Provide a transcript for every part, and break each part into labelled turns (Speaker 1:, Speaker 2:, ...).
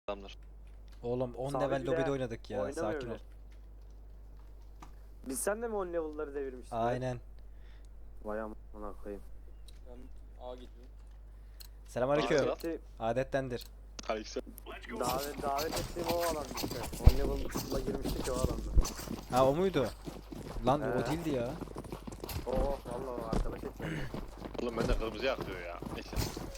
Speaker 1: Adamlar.
Speaker 2: Oğlum 10
Speaker 3: Sabit
Speaker 2: level
Speaker 3: bile
Speaker 2: lobide oynadık ya.
Speaker 3: oynamıyor
Speaker 2: Sakin ol.
Speaker 3: bile. Biz sen de mi 10 level'ları devirmiştik?
Speaker 2: Aynen.
Speaker 3: Vay amına koyayım.
Speaker 4: Ben A gidiyorum.
Speaker 2: Selamünaleyküm.
Speaker 3: Daveti,
Speaker 2: Adettendir.
Speaker 1: Aleyküm.
Speaker 3: davet ettiğim o alan işte. 10 level'la girmiştik ya o alanda.
Speaker 2: Ha o muydu? Lan
Speaker 3: He.
Speaker 2: o değildi ya.
Speaker 3: Oo vallahi arkadaş ettim.
Speaker 1: Oğlum bende kırmızı yakıyor ya. Neyse.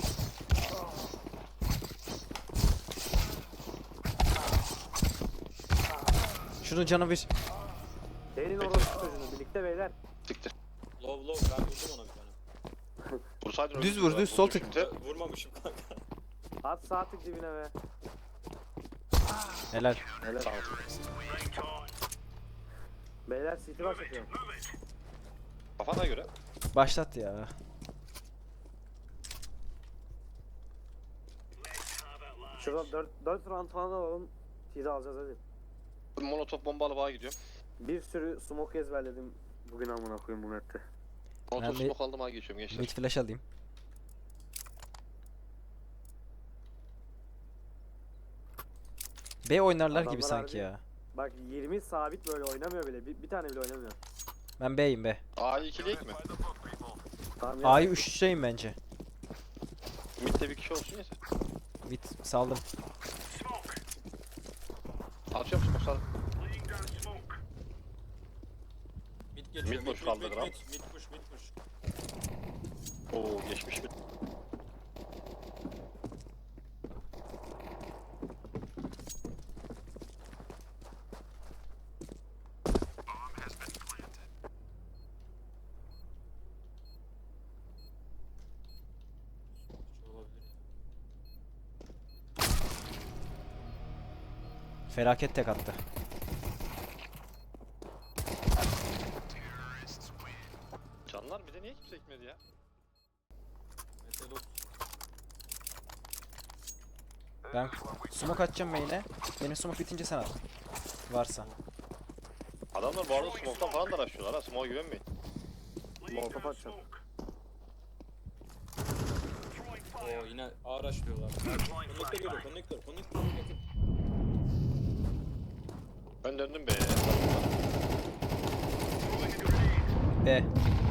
Speaker 2: Şunun canı bir.
Speaker 3: Senin orospu çocuğunu birlikte beyler.
Speaker 1: Siktir.
Speaker 4: Low ben vurdum ona bir tane.
Speaker 1: Vursaydın
Speaker 2: Düz
Speaker 1: öldürdün
Speaker 2: vur,
Speaker 1: lan.
Speaker 2: düz, sol
Speaker 1: Vurdun
Speaker 2: tık.
Speaker 1: şimdi.
Speaker 4: Vurmamışım kanka.
Speaker 3: At sağ tık dibine be.
Speaker 2: Helal.
Speaker 3: Helal.
Speaker 1: Sağ ol.
Speaker 3: Beyler city başlatıyorum.
Speaker 1: Kafana göre.
Speaker 2: Başlat ya.
Speaker 3: Şurada 4 round falan alalım. T'de alacağız hadi.
Speaker 1: Molotof bombalı bağa gidiyorum.
Speaker 3: Bir sürü smoke ezberledim. Bugün amına koyayım bu map'te.
Speaker 1: Molotof
Speaker 2: bir-
Speaker 1: smoke aldım bağa geçiyorum gençler.
Speaker 2: Mid flash alayım. B oynarlar gibi
Speaker 3: Adamlar
Speaker 2: sanki
Speaker 3: harbi-
Speaker 2: ya.
Speaker 3: Bak 20 sabit böyle oynamıyor bile. Bir tane bile oynamıyor.
Speaker 2: Ben B'yim B.
Speaker 1: A'yı ikileyek mi?
Speaker 3: Tamam ya.
Speaker 2: A'yı 3'leyim bence.
Speaker 1: Mid'de bir kişi olsun yeter.
Speaker 2: Mid saldım.
Speaker 1: Atıyorum smoke sağ.
Speaker 4: Mid geçiyor.
Speaker 1: Mid boş kaldı kral.
Speaker 4: Mid push.
Speaker 1: Oo geçmiş bir.
Speaker 4: Olabilir.
Speaker 2: Felaket tek attı.
Speaker 1: Canlar bir de niye kimse gitmedi ya?
Speaker 4: Metal ot.
Speaker 2: Ben smoke atacağım main'e. Benim smoke bitince sen at. Varsa.
Speaker 1: Adamlar bu arada smoke'tan falan da araştırıyorlar ha. Smoke'a güvenmeyin.
Speaker 3: Molotof atacağım.
Speaker 4: Oo yine araçlıyorlar. Connector geliyor. Connector.
Speaker 1: Ben döndüm be.
Speaker 2: B.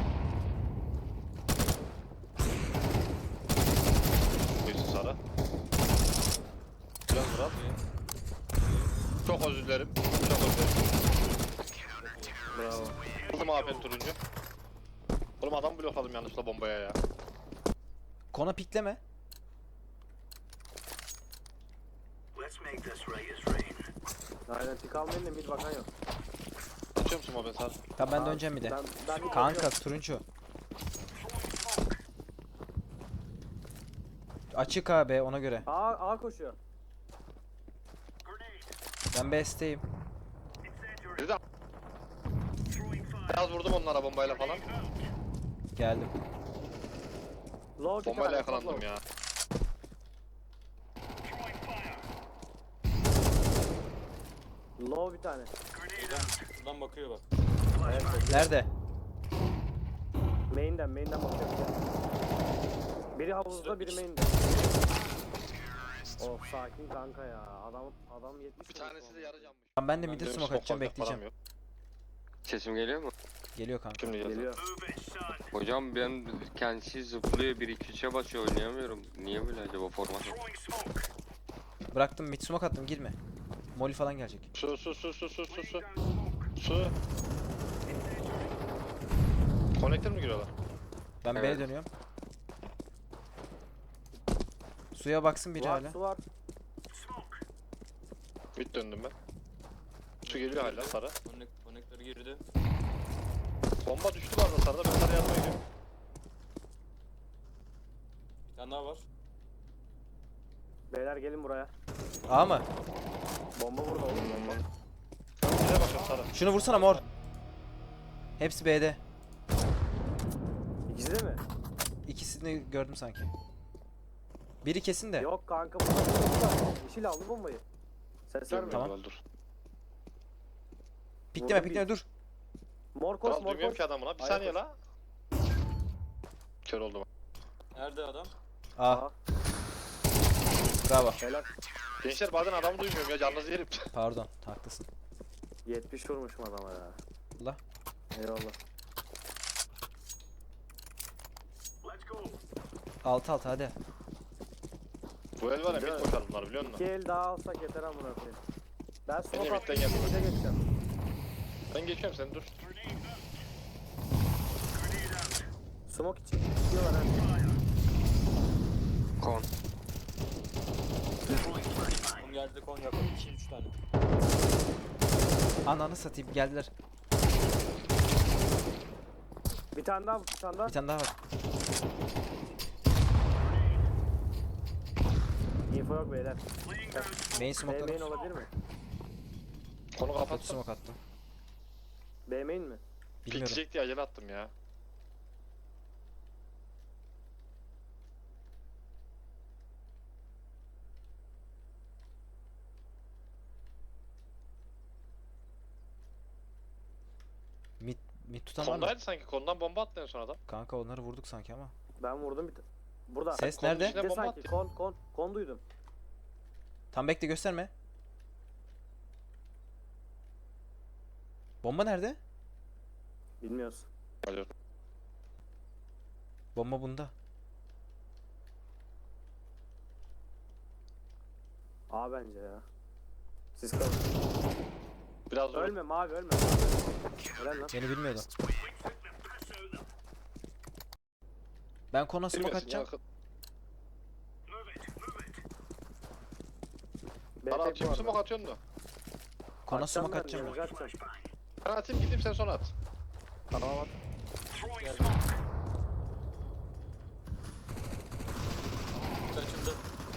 Speaker 1: Birisi Sara. Biraz Murat. Çok özür dilerim. Çok özür dilerim.
Speaker 3: Bravo.
Speaker 1: Aldım AP'n turuncu. Oğlum adam blokladım yanlışla bombaya ya.
Speaker 2: Kona pikleme.
Speaker 3: Aynen pick almayın da mid bakan yok.
Speaker 1: Atıyor musun o ben Sara?
Speaker 2: Tamam ben döneceğim bir de.
Speaker 3: Ben mid
Speaker 2: Kanka
Speaker 3: bakıyorum.
Speaker 2: turuncu. Açık abi ona göre.
Speaker 3: A koşuyor.
Speaker 2: Ben B'steyim.
Speaker 1: Bir de biraz vurdum onlara bombayla falan.
Speaker 2: Geldim.
Speaker 3: Low
Speaker 1: Bombayla yakalandım ya.
Speaker 3: Low bir tane.
Speaker 4: Şuradan bakıyor bak.
Speaker 3: Evet.
Speaker 2: Nerede?
Speaker 3: Main'den bakıyor. Biri havuzda biri main'de. Of sakin kanka ya. Adam 70.
Speaker 1: Bir tanesi de yarı canmış.
Speaker 2: Tamam ben de
Speaker 4: Ben
Speaker 2: mid'e
Speaker 1: Benim
Speaker 2: smoke
Speaker 1: smoke
Speaker 2: atacağım
Speaker 1: bakacak param
Speaker 2: bekleyeceğim.
Speaker 1: yok.
Speaker 5: Sesim geliyor mu?
Speaker 2: Geliyor kanka.
Speaker 1: Şimdi geldi.
Speaker 3: Geliyor.
Speaker 5: Hocam ben kendisi zıplıyor 1-2-3'e basıyor oynayamıyorum. Niye böyle acaba format?
Speaker 2: Bıraktım mid smoke attım girme. Molly falan gelecek.
Speaker 1: Su. Su. Connector mı giriyorlar?
Speaker 2: Ben B'ye
Speaker 5: Evet.
Speaker 2: dönüyorum. Suya baksın biri hala.
Speaker 3: Su var.
Speaker 1: Mid döndüm ben. Su geliyor hala Sara.
Speaker 4: Connector girdi.
Speaker 1: Bomba düştü bu arada Sara'da ben Sara'ya yardıma gidiyorum.
Speaker 4: Bir tane daha var.
Speaker 3: Beyler gelin buraya.
Speaker 2: A mı?
Speaker 3: Bomba burada oğlum bomba.
Speaker 1: Şuraya bakıyorum Sara.
Speaker 2: Şunu vursana mor. Hepsi B'de.
Speaker 3: İkisi de mi?
Speaker 2: İkisini gördüm sanki. Biri kesin de.
Speaker 3: Yok kanka burada bomba var. Yeşil aldı bombayı. Ses verme.
Speaker 2: Tamam.
Speaker 1: Tamam. Dur.
Speaker 2: Pikleme
Speaker 3: Vurdum
Speaker 2: pikleme dur.
Speaker 3: Mor koş
Speaker 1: Kral
Speaker 3: mor
Speaker 1: duymuyorum
Speaker 3: koş.
Speaker 1: ki adamına. Bir
Speaker 3: Hayır,
Speaker 1: saniye
Speaker 3: koş.
Speaker 1: la. Kör oldum.
Speaker 4: Nerede adam?
Speaker 2: A. Bravo.
Speaker 3: Helal.
Speaker 1: Gençler bazen adamı duymuyorum ya, canınızı yerim.
Speaker 2: Pardon, haklısın.
Speaker 3: 70 vurmuşum adama ya.
Speaker 2: Allah.
Speaker 3: Eyvallah.
Speaker 2: 6-6 hadi.
Speaker 1: Bu el var ya,
Speaker 3: Değil
Speaker 1: mid
Speaker 3: mi?
Speaker 1: koşar bunlar biliyor musun?
Speaker 3: 2 el daha alsak yeter amına koyayım. Ben
Speaker 1: Ben
Speaker 3: smoke
Speaker 1: de
Speaker 3: attım,
Speaker 1: midden geldim.
Speaker 3: mid'e geçeceğim.
Speaker 1: Ben geçiyorum, sen dur.
Speaker 3: Smoke için diyorlar ha.
Speaker 5: Kon.
Speaker 4: Kon geldi, kon yakın. 2-3 tane.
Speaker 2: Ananı satayım, geldiler.
Speaker 3: Bir tane daha, bir tane daha.
Speaker 2: Bir tane daha var.
Speaker 3: Info yok beyler.
Speaker 2: Main
Speaker 3: B
Speaker 2: smoke'ladım.
Speaker 3: main olabilir mi?
Speaker 1: Konu
Speaker 2: Kötü
Speaker 1: kapattım.
Speaker 2: smoke attım.
Speaker 3: B main mi?
Speaker 2: Bilmiyorum.
Speaker 1: Pikleyecek diye acele attım ya.
Speaker 2: Mid tutan var mı?
Speaker 1: Kondaydı sanki, kondan bomba attı en son adam.
Speaker 2: Kanka onları vurduk sanki ama.
Speaker 3: Ben vurdum bir burada.
Speaker 2: Ses
Speaker 1: Konun
Speaker 2: nerede?
Speaker 1: içine
Speaker 3: Bir de
Speaker 1: bomba
Speaker 3: sanki
Speaker 1: attı.
Speaker 3: kon duydum.
Speaker 2: Tam bekle, gösterme. Bomba nerede?
Speaker 3: Bilmiyoruz.
Speaker 1: Alo.
Speaker 2: Bomba bunda.
Speaker 3: A bence ya. Siz kalın.
Speaker 1: Biraz zor.
Speaker 3: Ölme mavi ölme. Helal lan.
Speaker 2: Beni bilmiyordu. Ben kona smoke
Speaker 1: Bilmiyorsun ya.
Speaker 2: atacağım.
Speaker 3: B
Speaker 1: Bana
Speaker 3: tek
Speaker 1: atayım,
Speaker 3: bu
Speaker 1: smoke
Speaker 3: arada.
Speaker 1: atıyorsun da.
Speaker 2: Kona
Speaker 3: Atacağım
Speaker 2: smoke
Speaker 3: ben,
Speaker 2: atacağım.
Speaker 3: yanıcı atacağım.
Speaker 1: Ben atayım, gideyim sen sonra at.
Speaker 3: Tamam at.
Speaker 4: Geldi. Kaçımda.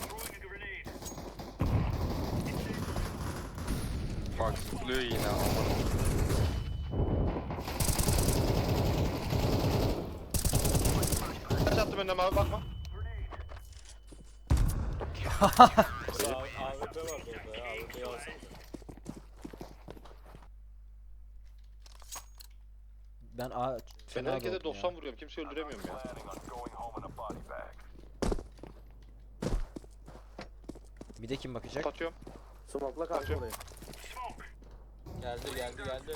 Speaker 5: Bak zıplıyor yine aman.
Speaker 1: Kaç attım önüne abi, bakma.
Speaker 4: AWP vardı orada ya. AWP'yi alsana.
Speaker 2: Ben A
Speaker 1: Ben
Speaker 2: fena
Speaker 1: herkese
Speaker 2: doğdum
Speaker 1: 90
Speaker 2: ya.
Speaker 1: vuruyorum, kimseyi öldüremiyorum ya.
Speaker 2: Mid'e kim bakacak?
Speaker 1: Kapatıyorum.
Speaker 3: Smoke'la karşı
Speaker 1: Atıyorum.
Speaker 3: olayım.
Speaker 4: Geldi.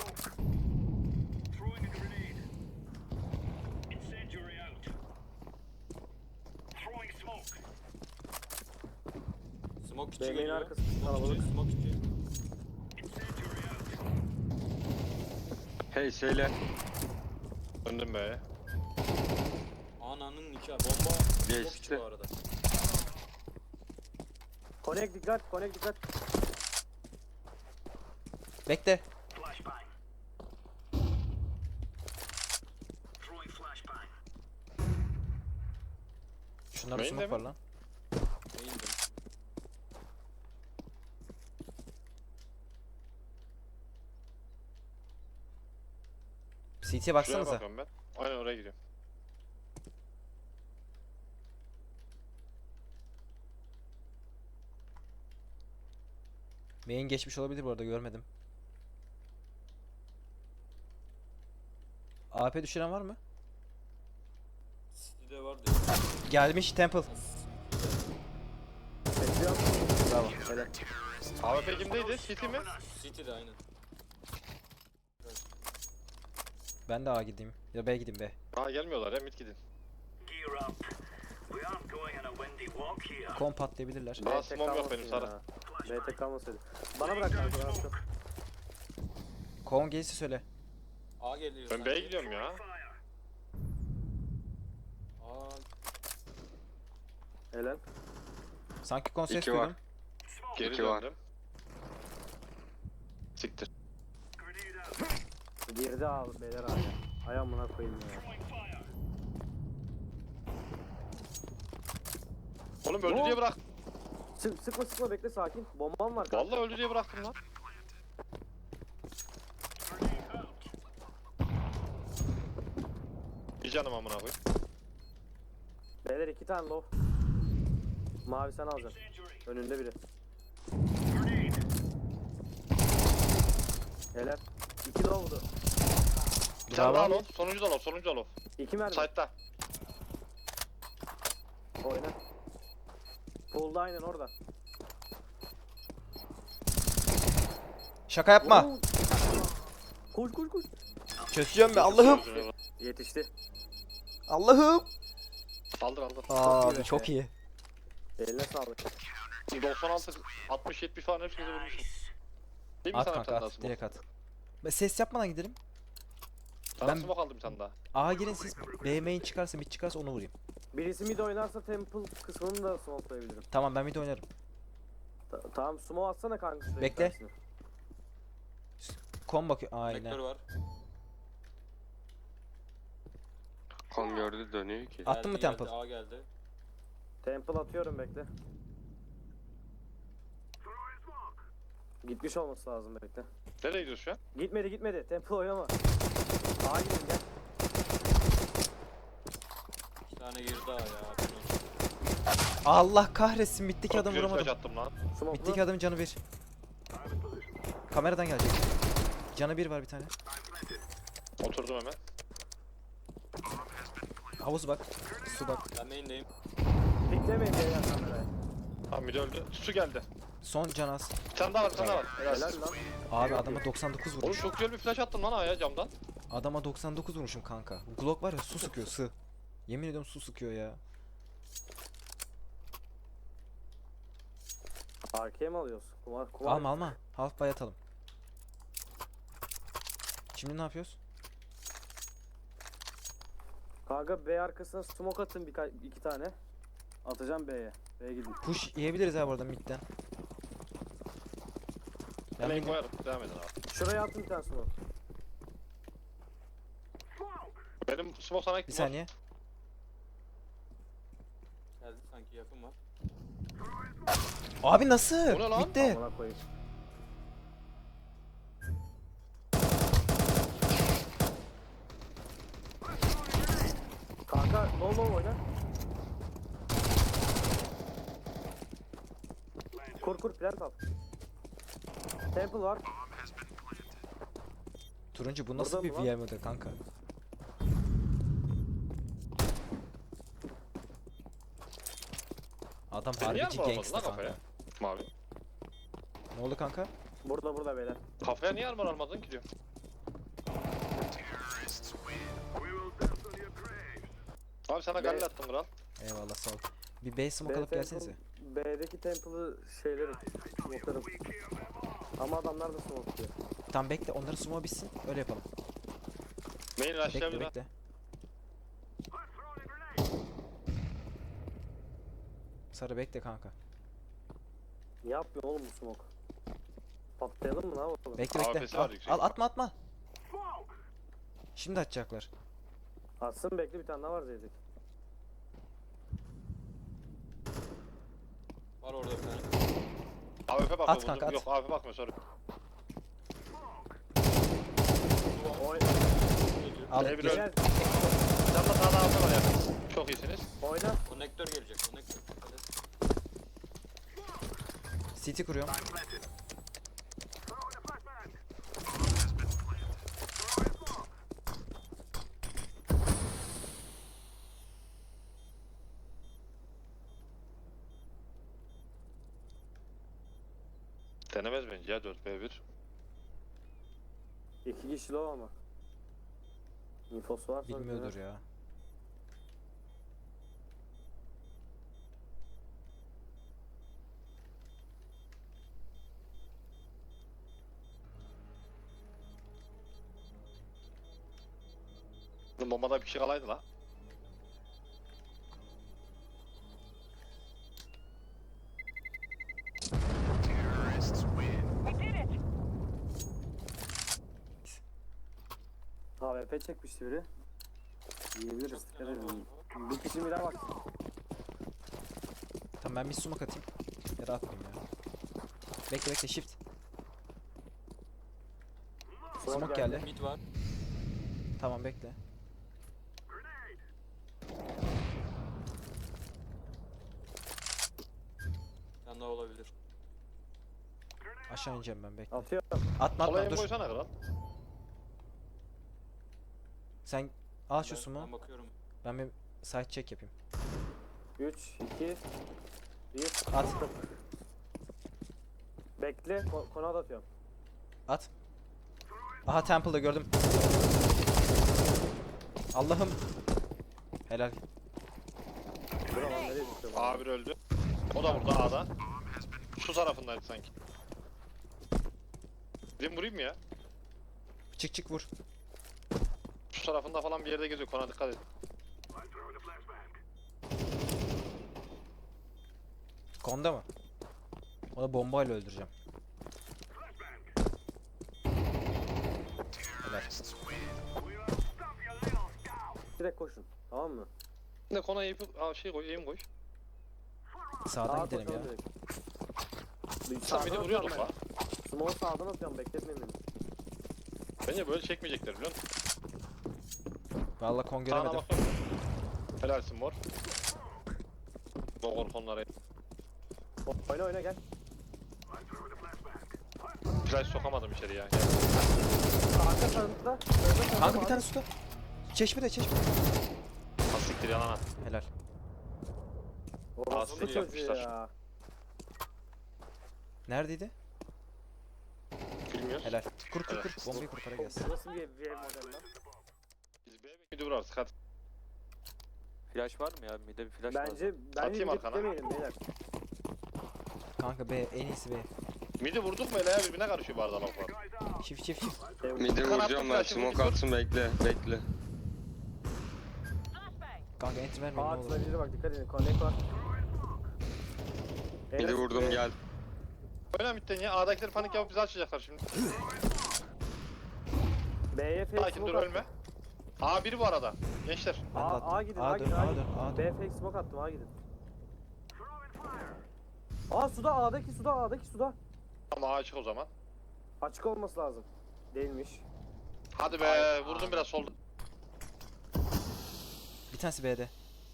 Speaker 4: Smoke içi
Speaker 3: Beyleğin
Speaker 4: geliyor.
Speaker 3: arkası
Speaker 4: Smoke
Speaker 3: kalabalık.
Speaker 4: içi, smoke içi.
Speaker 5: Hey söyle.
Speaker 1: Döndüm be.
Speaker 4: Ananın nikahı. Bomba. Smoke
Speaker 5: Geçti.
Speaker 4: içi bu arada.
Speaker 3: Connect dikkat, connect dikkat.
Speaker 2: Bekle. Şunlarda
Speaker 1: Main
Speaker 2: smoke
Speaker 1: de
Speaker 2: var
Speaker 1: mi?
Speaker 2: lan.
Speaker 4: Neydi?
Speaker 2: CT'ye
Speaker 1: Şuraya
Speaker 2: baksanıza.
Speaker 1: bakıyorum ben. Aynen oraya gidiyorum.
Speaker 2: Main geçmiş olabilir bu arada, görmedim. AP düşüren var mı?
Speaker 4: City'de vardı.
Speaker 2: Gelmiş Temple.
Speaker 3: Bekliyorum.
Speaker 2: Bravo.
Speaker 3: Helal.
Speaker 1: AWP kimdeydi? City mi?
Speaker 4: City'de aynen.
Speaker 2: Ben de A gideyim. Ya B gideyim B.
Speaker 1: Aa gelmiyorlar ya, mid gidin.
Speaker 2: Kon patlayabilirler.
Speaker 1: Daha
Speaker 3: BT
Speaker 1: smoke yok benim,
Speaker 3: kalmasın
Speaker 1: Sara.
Speaker 3: ya. BT kalmasaydı. Bana bırak kanka, ben atacağım.
Speaker 2: Kon gelirse söyle.
Speaker 4: A geliyor.
Speaker 1: Ben
Speaker 4: sanki.
Speaker 1: B'ye gidiyorum ya.
Speaker 4: A
Speaker 3: Helal.
Speaker 2: Sanki kon ses
Speaker 5: İki var.
Speaker 2: duydum.
Speaker 1: Geri
Speaker 5: İki var.
Speaker 1: döndüm. Siktir.
Speaker 3: Girdi abi beyler abi. Ay amına koyayım ya.
Speaker 1: Oğlum öldü
Speaker 3: Ne
Speaker 1: diye
Speaker 3: oldu?
Speaker 1: bırak.
Speaker 3: Sıkma bekle sakin. Bombam var kanka.
Speaker 1: Vallahi öldü diye bıraktım lan. Bir canım amına koyayım.
Speaker 3: Beyler 2 tane low. Mavi sen alacaksın. Önünde biri. Helal. 2 low'du.
Speaker 1: Bir tane
Speaker 2: Bravo.
Speaker 1: daha low. Sonuncu da low.
Speaker 3: 2 mermi.
Speaker 1: Side'da.
Speaker 3: Oyna. Pool'da aynen orada.
Speaker 2: Şaka yapma.
Speaker 3: Oo. Koş koş koş.
Speaker 2: Çözeceğim be Allah'ım.
Speaker 3: Yetişti.
Speaker 2: Allah'ım.
Speaker 1: Aldır aldır.
Speaker 2: Abi çok iyi.
Speaker 3: Eline sağlık.
Speaker 1: 96, 60, 70 falan hepsini vurmuşum. Değil mi
Speaker 2: At
Speaker 1: sana bir
Speaker 2: kanka
Speaker 1: tane daha
Speaker 2: at.
Speaker 1: smoke?
Speaker 2: Direkt at. Ses yapmadan gidelim.
Speaker 1: Sana
Speaker 2: Ben-
Speaker 1: smoke aldım bir tane daha.
Speaker 2: A'ya girin siz. B main çıkarsa mid çıkarsa onu vurayım.
Speaker 3: Birisi mid oynarsa temple kısmını da smokelayabilirim.
Speaker 2: Tamam ben mid oynarım.
Speaker 3: Tamam smoke atsana kanka. şuraya
Speaker 2: Bekle.
Speaker 3: bir tanesini.
Speaker 2: Kon bakıyor.
Speaker 4: Konektör
Speaker 2: Aynen.
Speaker 4: var.
Speaker 5: Kon gördü dönüyor ki.
Speaker 2: Attın mı
Speaker 4: Geldi,
Speaker 2: temple?
Speaker 4: A geldi.
Speaker 3: Temple atıyorum bekle. Gitmiş olması lazım bekle.
Speaker 1: Nereye gidiyorsun şu an?
Speaker 3: Gitmedi. Temple oynama. Sağa gidin gel.
Speaker 4: 2 tane girdi A ya.
Speaker 2: Allah kahretsin middeki
Speaker 1: Çok
Speaker 2: adam
Speaker 1: güzel flash
Speaker 2: vuramadım.
Speaker 1: attım lan.
Speaker 3: Smoke'lu.
Speaker 2: Middeki adamın canı 1. Kameradan gelecek. Canı 1 var bir tane.
Speaker 1: Oturdum hemen.
Speaker 2: Havuz bak. Su bak.
Speaker 4: Ben main'deyim.
Speaker 3: Piklemeyin beyler kamerayı.
Speaker 1: Tamam mid öldü. Su geldi.
Speaker 2: Son can az.
Speaker 1: Bir tane daha var, bir tane daha var.
Speaker 3: Helal lan.
Speaker 2: Abi adama 99
Speaker 1: Oğlum
Speaker 2: vurmuş.
Speaker 1: çok güzel bir flash attım lan A'ya camdan.
Speaker 2: Adama 99 vurmuşum kanka. Glock var ya su sıkıyor sı. Yemin ediyorum su sıkıyor ya.
Speaker 3: Arkaya mı alıyoruz? Kumar.
Speaker 2: Alma alma. Half buy atalım. Şimdi ne yapıyoruz?
Speaker 3: Kanka B arkasına smoke atın iki tane. Atacağım B'ye. B'ye gidin.
Speaker 2: Push yiyebiliriz ha bu arada midden. Ben
Speaker 1: Play
Speaker 2: mid-
Speaker 1: koyarım. Devam edin abi.
Speaker 3: Şuraya atın bir tane smoke.
Speaker 1: Benim smoke sana
Speaker 2: bir
Speaker 1: gittim.
Speaker 2: saniye.
Speaker 4: Geldi sanki yakın var.
Speaker 2: Abi nasıl?
Speaker 1: Bu ne lan?
Speaker 2: Midde.
Speaker 3: Amına koyayım. Kanka low oyna. Kur plant al. Temple var.
Speaker 2: Turuncu bu nasıl
Speaker 3: Burada
Speaker 2: bir
Speaker 3: mı lan?
Speaker 2: VR model kanka? Adam
Speaker 1: Sen niye
Speaker 2: harbici
Speaker 1: armor
Speaker 2: gangsta
Speaker 1: almadın lan
Speaker 2: kanka.
Speaker 1: kafaya? Mavi.
Speaker 2: Ne oldu kanka?
Speaker 3: Burada beyler.
Speaker 1: Kafaya niye armor almadın ki diyor. Abi sana galle attım kral.
Speaker 2: Eyvallah sağ ol. Bir base smoke alıp gelsenize.
Speaker 3: B'deki temple'ı şeyleri smoke'larım. Ama adamlar da smoke'luyor.
Speaker 2: Tam bekle onları sumo bitsin öyle yapalım.
Speaker 1: Main
Speaker 2: Bekle
Speaker 1: rushlayabilir ha.
Speaker 2: bekle. Sarı bekle kanka.
Speaker 3: Ne yapıyor oğlum bu smoke? Patlayalım mı ne yapalım?
Speaker 2: Bekle bekle.
Speaker 1: AWP'si var
Speaker 2: Al,
Speaker 1: yüksek
Speaker 2: al atma. Şimdi atacaklar.
Speaker 3: Atsın bekle bir tane daha var Zeydik.
Speaker 4: Var orada bir tane.
Speaker 1: AWP bakıyor.
Speaker 2: At kanka, at.
Speaker 1: Yok AWP bakmıyor sorry.
Speaker 3: Oy
Speaker 2: Al
Speaker 1: Beyler.
Speaker 2: gir.
Speaker 3: Gel
Speaker 1: Canla sağda altı var ya. Çok iyisiniz.
Speaker 3: oyna.
Speaker 4: Konektör gelecek. Konektör. Hadi.
Speaker 2: City kuruyorum.
Speaker 1: Denemez bence ya 4v1.
Speaker 3: 2 kişi low ama. Infosu varsa
Speaker 2: Bilmiyordur ya.
Speaker 1: Bombada bir şey kalaydı la.
Speaker 3: AWP çekmişti biri. Yiyebiliriz. Dikkat edin. Bir kişi bile bak.
Speaker 2: Tamam ben bir smoke atayım. Ya da atmayayım ya. Bekle bekle shift. Smoke geldi.
Speaker 4: Mid var.
Speaker 2: Tamam bekle.
Speaker 4: Bir tane daha olabilir.
Speaker 2: Aşağı ineceğim ben bekle.
Speaker 3: Atıyorum.
Speaker 2: Atma
Speaker 1: Kolaya
Speaker 2: atma dur.
Speaker 1: koysana kral.
Speaker 2: Sen al şu sumo.
Speaker 4: Ben bakıyorum.
Speaker 2: Ben bir side check yapayım.
Speaker 3: 3, 2, 1.
Speaker 2: At.
Speaker 3: Bekle. Konu atıyorum.
Speaker 2: At. Aha Temple'da gördüm. Allah'ım. Helal.
Speaker 3: Dur ama nereye düşüyor? bu?
Speaker 1: A1 öldü. O da burada A'da. Şu tarafındaydı sanki. Gidin vurayım mı ya?
Speaker 2: Çık çık vur.
Speaker 1: Şu tarafında falan bir yerde geziyor. Kona dikkat et.
Speaker 2: Konda mı? Onu bombayla öldüreceğim. Helal.
Speaker 3: Direkt koşun. Tamam mı?
Speaker 1: Ne kona şey koy, eğim koy.
Speaker 2: Sağdan
Speaker 3: Sağa
Speaker 2: gidelim ya.
Speaker 3: koşalım direkt. Bir
Speaker 1: Sen beni
Speaker 3: sağdan
Speaker 1: vuruyorduk
Speaker 3: atıyorum
Speaker 1: la.
Speaker 3: ben. Smoke sağdan atıyorum, bekletmeyin beni.
Speaker 1: Bence böyle çekmeyecekler biliyor musun?
Speaker 2: Vallahi kon
Speaker 1: Sağına
Speaker 2: göremedim.
Speaker 1: bakıyorum. Helalsin mor. Bogor konlara.
Speaker 3: Oyna oyna gel.
Speaker 1: Flash sokamadım içeri ya.
Speaker 3: Arka tarafta.
Speaker 2: Kanka bir tane suda. Çeşmede çeşmede.
Speaker 1: Asiktir yalan at.
Speaker 2: Helal.
Speaker 3: Orası
Speaker 1: Asil
Speaker 3: çocuğu
Speaker 1: yapmışlar.
Speaker 3: ya.
Speaker 2: Neredeydi?
Speaker 1: Bilmiyoruz.
Speaker 2: Helal. Kur kur
Speaker 1: Evet.
Speaker 2: kur. Bombayı kur para gelsin.
Speaker 3: Bu nasıl bir ev model lan?
Speaker 1: Biz B'ye midi vurarız hadi.
Speaker 4: Flash var mı ya? Mide bir flash lazım.
Speaker 3: Bence
Speaker 1: Atayım
Speaker 3: gidip
Speaker 1: arkana.
Speaker 3: demeyelim beyler.
Speaker 2: Kanka B en iyisi B.
Speaker 1: Midi vurduk mu ele ya birbirine karışıyor bu arada laflar.
Speaker 2: Çift çift çift.
Speaker 5: Midi
Speaker 1: Kanatlı
Speaker 5: vuracağım ben.
Speaker 1: flash'ı
Speaker 5: Smoke
Speaker 1: vurdu.
Speaker 5: atsın bekle. Bekle.
Speaker 2: Kanka enter vermeyin ne olur.
Speaker 3: Ağaçla bak dikkat edin. Connect var.
Speaker 5: Midi vurdum gel.
Speaker 1: Öyle midden ya A'dakiler panik yapıp bizi açacaklar şimdi.
Speaker 3: B'ye fake
Speaker 1: Sakin dur
Speaker 3: smoke
Speaker 1: ölme. A biri bu arada. Gençler.
Speaker 2: Ben de attım.
Speaker 3: A gidin,
Speaker 2: A
Speaker 3: A
Speaker 2: dön,
Speaker 3: gidin,
Speaker 2: A
Speaker 3: A
Speaker 2: dön,
Speaker 3: gidin.
Speaker 2: A dön.
Speaker 3: B fake smoke attım, A gidin. Aa suda, A'daki suda, A'daki suda.
Speaker 1: Ama A açık o zaman.
Speaker 3: Açık olması lazım. Değilmiş.
Speaker 1: Hadi be vurdum biraz solda.
Speaker 2: Bir tanesi B'de.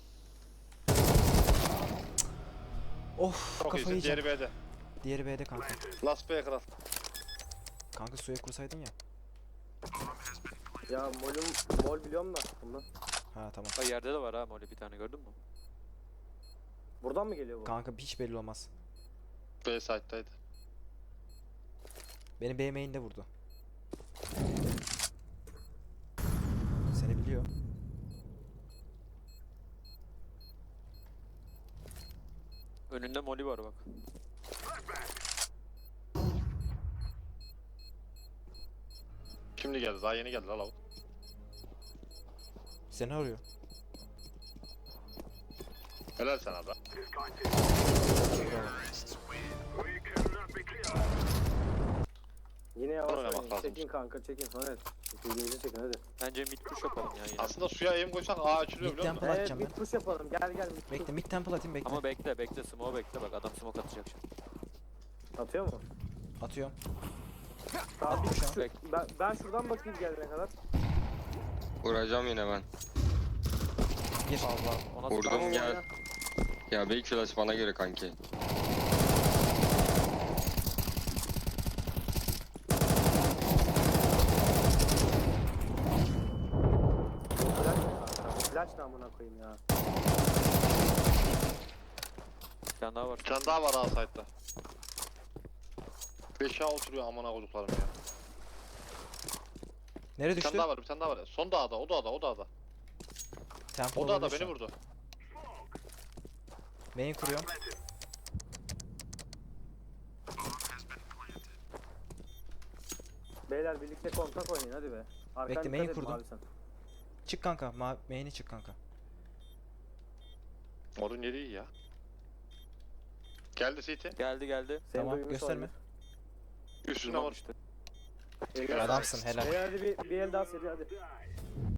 Speaker 2: Of
Speaker 1: Çok
Speaker 2: kafayı
Speaker 1: iyisin
Speaker 2: yiyeceğim.
Speaker 1: diğeri B'de.
Speaker 2: Diğeri B'de kanka.
Speaker 1: Last B'ye kral.
Speaker 2: Kanka suya kursaydın ya.
Speaker 3: Ya mol biliyorum da bundan.
Speaker 2: Ha tamam.
Speaker 4: Bak yerde de var ha mole bir tane gördün mü?
Speaker 3: Buradan mı geliyor bu?
Speaker 2: Kanka hiç belli olmaz.
Speaker 1: B side'daydı.
Speaker 2: Beni B main'de vurdu. Seni biliyor.
Speaker 4: Önünde moli var bak.
Speaker 1: Şimdi geldi daha yeni geldi la lavuk.
Speaker 2: Seni arıyor.
Speaker 1: Helal sana da.
Speaker 3: Yine yavaş
Speaker 1: oynamak
Speaker 3: oynayın.
Speaker 1: lazım.
Speaker 3: Çekin kanka, çekin. Evet. Çekildiğinizi çekin hadi.
Speaker 4: Bence mid push yapalım ya yine.
Speaker 1: Aslında suya aim koysak A açılıyor
Speaker 2: Mid
Speaker 1: biliyor musun?
Speaker 2: temple
Speaker 3: Evet,
Speaker 2: atacağım
Speaker 3: bir
Speaker 2: ben.
Speaker 3: push yapalım. Gel gel. mid push.
Speaker 2: Bekle mid temple atayım bekle.
Speaker 4: Ama bekle smoke bekle bak adam smoke atacak şimdi.
Speaker 3: Atıyor mu?
Speaker 2: Atıyorum.
Speaker 3: Tamam,
Speaker 2: Attım
Speaker 3: bir
Speaker 2: şu an.
Speaker 3: push. Ben şuradan bakayım gelene kadar.
Speaker 5: Vuracağım yine ben.
Speaker 2: Gir.
Speaker 4: Allah ona
Speaker 5: Vurdum
Speaker 3: Tamam,
Speaker 5: gel.
Speaker 3: oyna.
Speaker 5: Ya belki flash bana göre kanki.
Speaker 3: Flash mı kanka? Flash ne amına koyayım ya.
Speaker 4: bir tane daha var.
Speaker 1: Bir tane daha var A side'da. 5'e oturuyor amına koyduklarım ya.
Speaker 2: Nereye
Speaker 1: Bir tane
Speaker 2: düştü?
Speaker 1: daha var, bir tane daha var. Son dağda, o dağda, o dağda.
Speaker 2: Temple
Speaker 1: O dağda
Speaker 2: olabilir şu
Speaker 1: beni
Speaker 2: an.
Speaker 1: vurdu.
Speaker 2: Main kuruyorum.
Speaker 3: Beyler birlikte kontak oynayın hadi be. Arkadan
Speaker 2: Bekle,
Speaker 3: dikkat
Speaker 2: main
Speaker 3: edin
Speaker 2: kurdum.
Speaker 3: abi sen.
Speaker 2: Çık kanka. Main'e çık kanka.
Speaker 1: Morun yeri iyi ya. Geldi CT.
Speaker 4: Geldi.
Speaker 3: Seni
Speaker 2: Tamam,
Speaker 3: duymuş
Speaker 2: gösterme.
Speaker 3: olabilir.
Speaker 1: Üstüne
Speaker 4: Smoke
Speaker 1: vur.
Speaker 4: işte.
Speaker 3: Eline
Speaker 2: Adamsın helal.
Speaker 3: Beyler hadi bir el daha seri hadi.